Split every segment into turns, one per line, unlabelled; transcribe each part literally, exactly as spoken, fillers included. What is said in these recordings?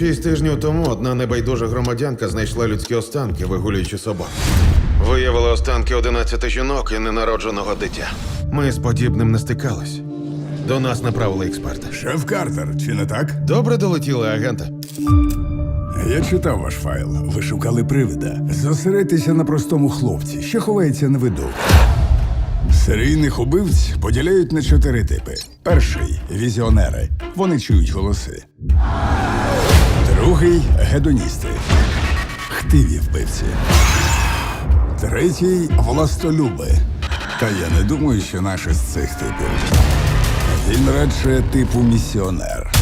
Шість тижнів тому одна небайдужа громадянка знайшла людські останки, вигулюючи собак. Виявили останки одинадцяти жінок і ненародженого дитя. Ми з подібним не стикались. До нас направили експерта.
Шеф Картер, чи не так?
Добре долетіли, агенте.
Я читав ваш файл. Ви шукали привида. Зосередьтеся на простому хлопці, що ховається на виду. Серійних убивць поділяють на чотири типи. Перший – візіонери. Вони чують голоси. Другий – гедоністи. Хтиві вбивці. Третій – властолюби. Та я не думаю, що наш із цих типів. Він радше типу місіонер.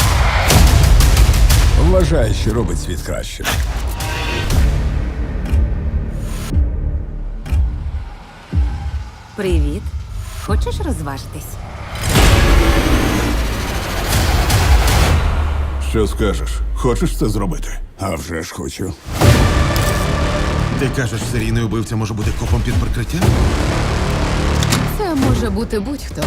Вважає, що робить світ кращим.
Привіт. Хочеш розважитись?
Що скажеш? Хочеш це зробити? А вже ж хочу.
Ти кажеш, серійний убивця може бути копом під прикриттям?
Це може бути будь-хто.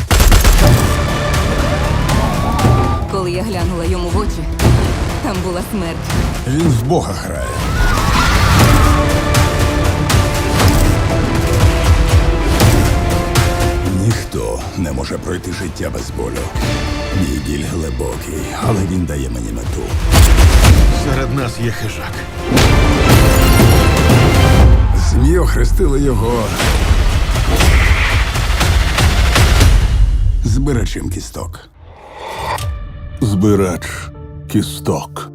Коли я глянула йому в очі, там була смерть.
Він в Бога грає. Ніхто не може пройти життя без болю. Мій біль глибокий, але він дає мені мету.
Серед нас є хижак.
ЗМІ охрестили його збирачем кісток. Збирач кісток.